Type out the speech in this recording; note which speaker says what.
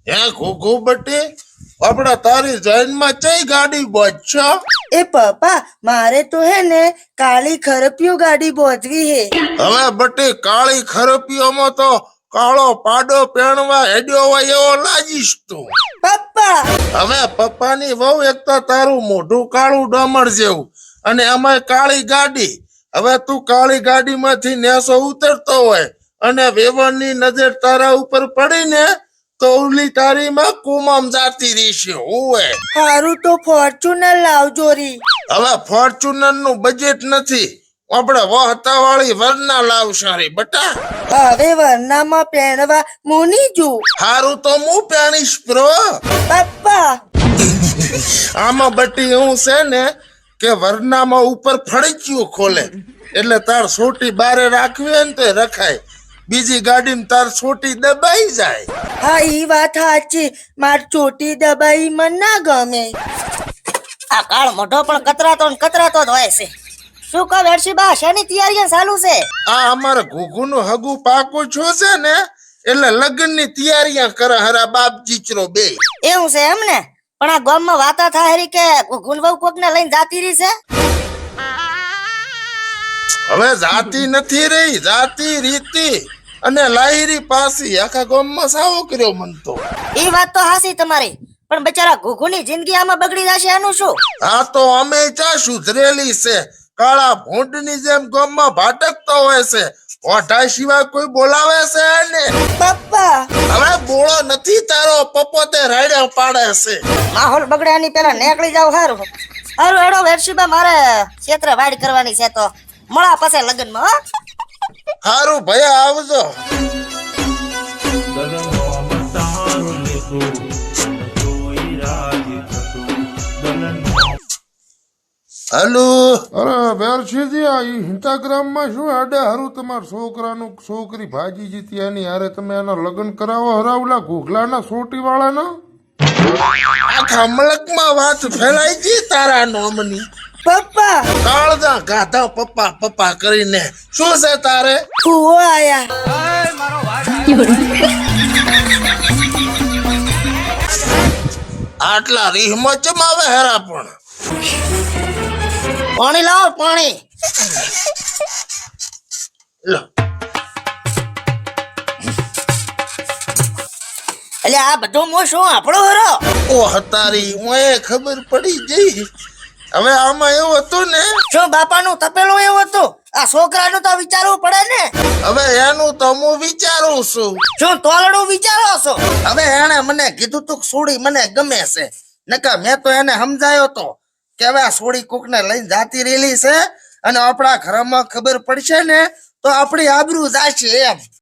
Speaker 1: હે ઘોઘો બટી આપડા તારી જૈનમાં ચઈ ગાડી બોજ
Speaker 2: એ પપ્પા મારે તો હે ને કાળી ખરપિયો ગાડી બોધવી હે.
Speaker 1: હવે બટી કાળી ખરપીઓમાં તો કાળો પાડો પહેણવા હેડ્યો હોય એવો લાગીશ તું.
Speaker 2: પપ્પા
Speaker 1: હવે પપ્પાની વહુ એક તો તારું મોઢું કાળું ડમર જેવું અને અમાય કાળી ગાડી. હવે તું કાળી ગાડીમાંથી નેસો ઉતરતો હોય અને વેવણની નજર તારા ઉપર પડીને તો ઓલી તારીમાં કુમમ જાતી રહેશે. હોવે
Speaker 2: હારું તો ફોર્ચ્યુનર લાવજો રી.
Speaker 1: હવે ફોર્ચ્યુનર નું બજેટ નથી, આપણે વહતા વાળી વરના લાવશારી બટા.
Speaker 2: હવે વરનામાં પહેરવા મુની જુ.
Speaker 1: હારું તો હું પહેણીશ પ્રો.
Speaker 2: પપ્પા
Speaker 1: આમાં બટી એવું છે ને કે વરનામાં ઉપર ફળિયું ખોલે એટલે તાર સોટી બારે રાખવી હોય ને તો રખાય, બીજી ગાડીમાં તાર સોટી દબાઈ જાય.
Speaker 2: હા ઈ વાત સાચી, માર ચોટી દબાઈ મન ના ગમે.
Speaker 3: આ કાળ મોઢો પણ કતરાતો ને કતરાતો જ હોય છે. શું કહો વેરશીબા, શેની તૈયારી ચાલુ છે?
Speaker 1: આ અમારે ઘૂઘુનું હગું પાકું છું છે ને એટલે લગ્નની તૈયારીਆਂ કરે હરા બાપ જીચરો બે.
Speaker 3: એવું છે એમ ને? પણ આ ગામમાં વાતા થાય હરી કે ગુલવવ કોક ને લઈને જાતી રહી છે.
Speaker 1: હવે જાતિ નથી રહી, જાતિ રીતિ અને લાહિરી પાસી આખા ગામમાં સાવો કર્યો મન તો.
Speaker 3: ઈ વાત તો હાસી તમારી, પણ બચારા ઘુઘુની જિંદગી આમાં બગડી જશે એનું શું?
Speaker 1: આ તો અમે ચા સુધરેલી છે, કાળા ભૂંડની જેમ ગામમાં ભાટકતો હોય છે, ઓઢા સિવાય કોઈ બોલાવે છે ને?
Speaker 2: પપ્પા
Speaker 1: હવે બોળો નથી તારો પપ્પો તે રાડ્યો પાડે છે.
Speaker 3: માહોલ બગડે એની પેલા નીકળી જાવ. હારું હારું હેડો વેરશીબા, મારે ક્ષેત્ર વાડ કરવાની છે તો મળા પાસે લગ્નમાં હો.
Speaker 1: હારું ભયા આવજો. હલો.
Speaker 4: અરે વેરશીજી, આ ઇન્સ્ટાગ્રામ માં શું આડે હારું તમારા છોકરાનું છોકરી ભાજી જીતી એની હારે તમે એના લગ્ન કરાવો હરાવલા ઘોઘલાના સોટી વાળાના?
Speaker 1: આખા મલકમાં વાત ફેલાઈ ગઈ તારા નોમની.
Speaker 2: પપ્પા
Speaker 1: કાળજા ગાધા પપ્પા પપ્પા કરીને શું છે તારે?
Speaker 2: કુવો આયા.
Speaker 1: આટલા રીહમાં ચમ આવે હેરા પણ?
Speaker 3: પાણી લાવો પાણી.
Speaker 1: લો.
Speaker 3: એટલે આ બધું મો શું આપણો હરો?
Speaker 1: ઓ હતારી ઓએ ખબર પડી ગઈ. હવે આમાં એવું હતું ને,
Speaker 3: શું બાપાનું તપેલું એવું હતું? આ છોકરાનું તો વિચારવું પડે ને.
Speaker 1: હવે એનું તો હું વિચારું છું.
Speaker 3: શું તોલડું વિચારો છો?
Speaker 1: હવે એને મને કીધું તું સોડી મને ગમે છે, નકા મેં તો એને સમજાયો તો કે હવે આ સોડી કોક ને લઈને જાતી રહેલી છે અને આપણા ઘરમાં ખબર પડશે ને તો આપણી આબરૂ જાશે એમ.